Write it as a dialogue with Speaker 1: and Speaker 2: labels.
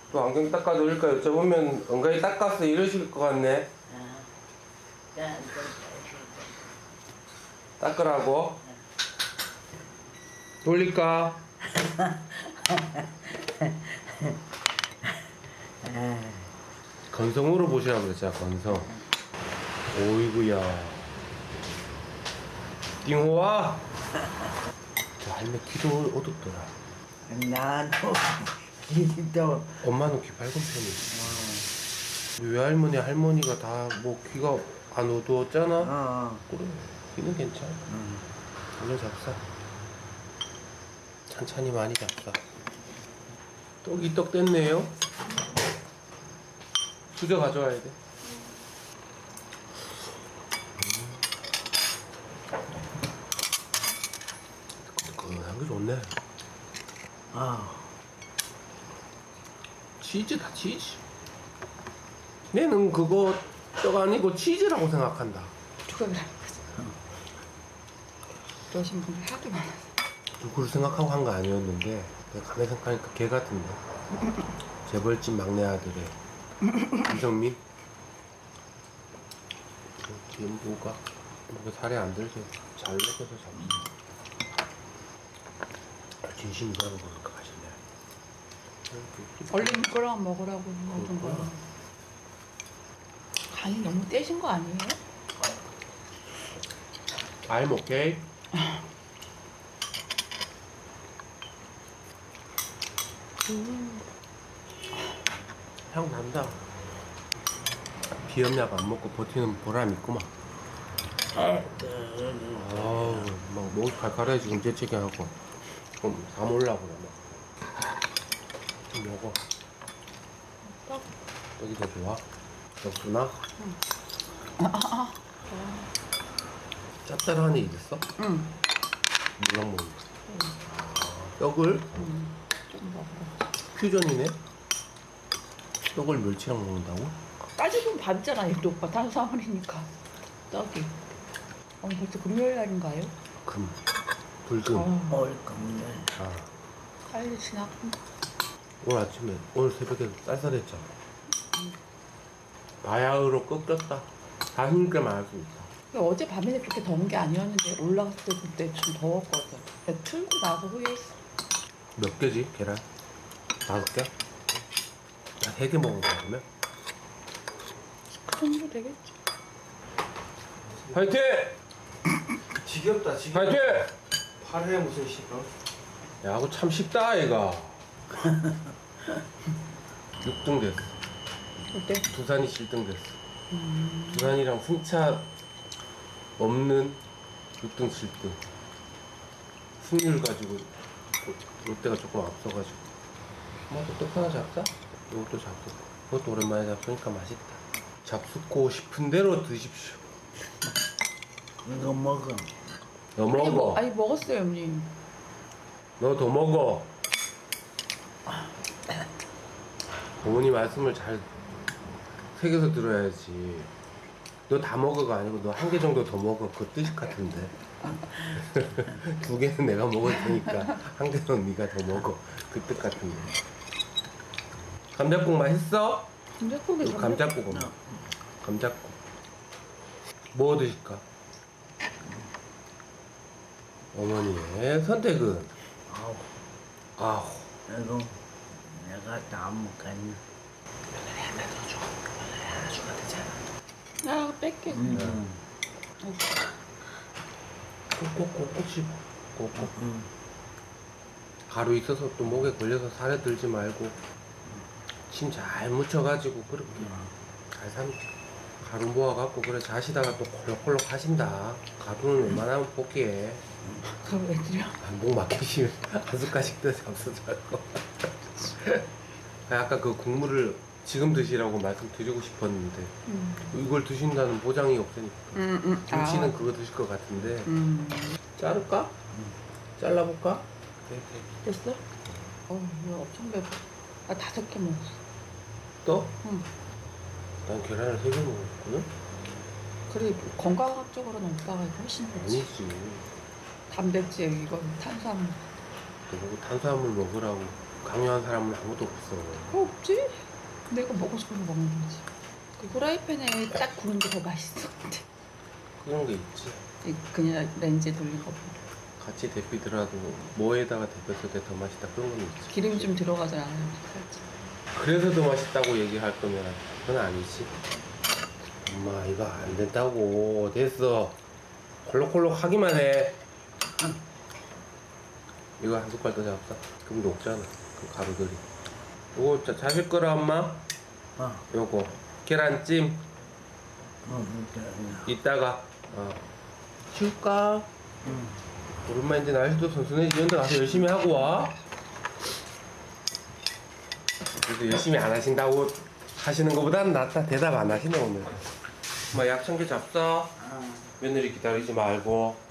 Speaker 1: 또 안경 닦아드릴까 여쭤보면 은근히 닦았어 이러실 것 같네. 닦으라고? 돌릴까? 건성으로 보시라고 그랬잖아. 건성. 오이구야. 띵호와. 저 할매 귀도 어둡더라.
Speaker 2: 나도 기도
Speaker 1: 엄마는 귀 밝은 편이지. 외할머니 할머니가 다 뭐 귀가 안 어두웠잖아. 그래 귀는 괜찮아. 오늘 잡사. 천천히 많이 잡사. 떡이 떡 됐네요. 수저 가져와야 돼. 뜨끈뜨끈한 게 좋네. 치즈다 치즈. 얘는 그거 떡 아니고 치즈라고 생각한다.
Speaker 3: 그래. 그러신 분이 하도 많아서.
Speaker 1: 누구를 생각하고 한 거 아니었는데 내가 가만히 생각하니까 걔 같은데. 재벌집 막내 아들의 이정민. 뒤에 뭐가 살이 안 들게 잘 먹어서 잡지. 진심이라고 그럴까 맛있네.
Speaker 3: 얼른 이거랑 먹으라고 먹은 거. 간이 너무 떼신 거 아니에요?
Speaker 1: I'm okay. 향 난다. 비염약 안 먹고 버티는 보람 있구만. 아우, 막 목이 칼칼해 지금 재채기 하고. 그럼 다 몰라고 그래. 좀 먹어. 떡이 더 좋아? 떡구나? 짭짤한 애 있어?
Speaker 3: 응.
Speaker 1: 물랑 먹는 떡을?
Speaker 3: 좀 먹어.
Speaker 1: 퓨전이네? 떡을 멸치랑 먹는다고?
Speaker 3: 따지면 반잖아, 이 오빠. 탄수화물이니까. 떡이. 벌써 금요일 날인가요?
Speaker 1: 금. 불금.
Speaker 2: 올금을
Speaker 1: 아,
Speaker 3: 빨리 지나고.
Speaker 1: 오늘 아침에, 오늘 새벽에 쌀쌀했잖아. 바야흐로 꺾였다. 자신있게 말할 수 있다.
Speaker 3: 어제 밤에는 그렇게 더운 게 아니었는데 올라갔을 때 그때 좀 더웠거든. 내가 틀고 나서 후회했어.
Speaker 1: 몇 개지, 계란? 5개? 한 3개 먹은 거야, 그러면?
Speaker 3: 그 정도 되겠지.
Speaker 1: 화이팅!
Speaker 4: 지겹다 지겹다.
Speaker 1: 화이팅!
Speaker 4: 8회 무슨 시간?
Speaker 1: 야, 그거 참 쉽다, 얘가. 6등 됐어.
Speaker 3: 어때?
Speaker 1: 두산이 7등 됐어. 두산이랑 승차 없는 6등, 7등. 승률 가지고 롯데가 조금 앞서가지고. 뭐또 떡 하나 잡자? 이것도 잡수고. 그것도 오랜만에 잡수니까 맛있다. 잡수고 싶은 대로 드십시오.
Speaker 2: 이거 먹어.
Speaker 1: 너 먹어.
Speaker 3: 아니 먹었어요, 언니.
Speaker 1: 너 더 먹어. 어머니 말씀을 잘 새겨서 들어야지. 너 다 먹어가 아니고 너 1개 정도 더 먹어. 그 뜻 같은데. 2개는 내가 먹을 테니까 1개는 네가 더 먹어. 그 뜻 같은데. 감자국 맛있어?
Speaker 3: 감자국이
Speaker 1: 감자국 엄마. 감자국. 뭐 드실까? 어머니의 선택은? 아우.
Speaker 2: 이거 내가 다 먹겠네.
Speaker 3: 아, 뺄게.
Speaker 1: 꼭꼭꼭 씹어. 꼭꼭. 가루 있어서 또 목에 걸려서 살에 들지 말고 침 잘 묻혀가지고 그렇게 잘 삶. 가루 모아갖고 그래 자시다가 또 콜록콜록 하신다. 가루는 웬만하면 포기해.
Speaker 3: 그럼 왜 드려?
Speaker 1: 목 막히시면 한 숟가락씩 더 잡수지 말고. 아까 그 국물을 지금 드시라고 말씀드리고 싶었는데 이걸 드신다는 보장이 없으니까 김치는 그거 드실 것 같은데 자를까? 잘라볼까?
Speaker 3: 됐어? 이거 엄청 배고. 나 5개 먹었어.
Speaker 1: 또?
Speaker 3: 응.
Speaker 1: 난 계란을 3개 먹었거든?
Speaker 3: 그래, 건강학적으로는 오빠가 훨씬 좋지.
Speaker 1: 아니지.
Speaker 3: 단백질, 이건 탄수화물.
Speaker 1: 너보고 탄수화물 먹으라고 강요한 사람은 아무도 없어.
Speaker 3: 없지? 내가 먹고 싶은 거 먹는 거지. 그 후라이팬에 딱 구운 게 더 맛있어.
Speaker 1: 그런 게 있지.
Speaker 3: 그냥 렌즈에 돌린 거.
Speaker 1: 같이 데피더라도 뭐에다가 데폈을 때 더 맛있다 그런 건 있지.
Speaker 3: 기름이 좀 들어가잖아. 살짝.
Speaker 1: 그래서 더 맛있다고 얘기할 거면 그건 아니지. 엄마 이거 안 된다고. 됐어. 콜록콜록 하기만 해. 이거 한 숟갈 더 잡자. 그럼 녹잖아. 그 가루들이. 이거 자실 거라 엄마? 요거 계란찜 이따가 줄까? 오랜만인데 날씨도 선선해지. 이런 데 가서 열심히 하고 와. 그래도 열심히 안 하신다고 하시는 것보다는 낫다. 대답 안 하시네 오늘. 엄마 약청계 잡숴. 며느리 기다리지 말고.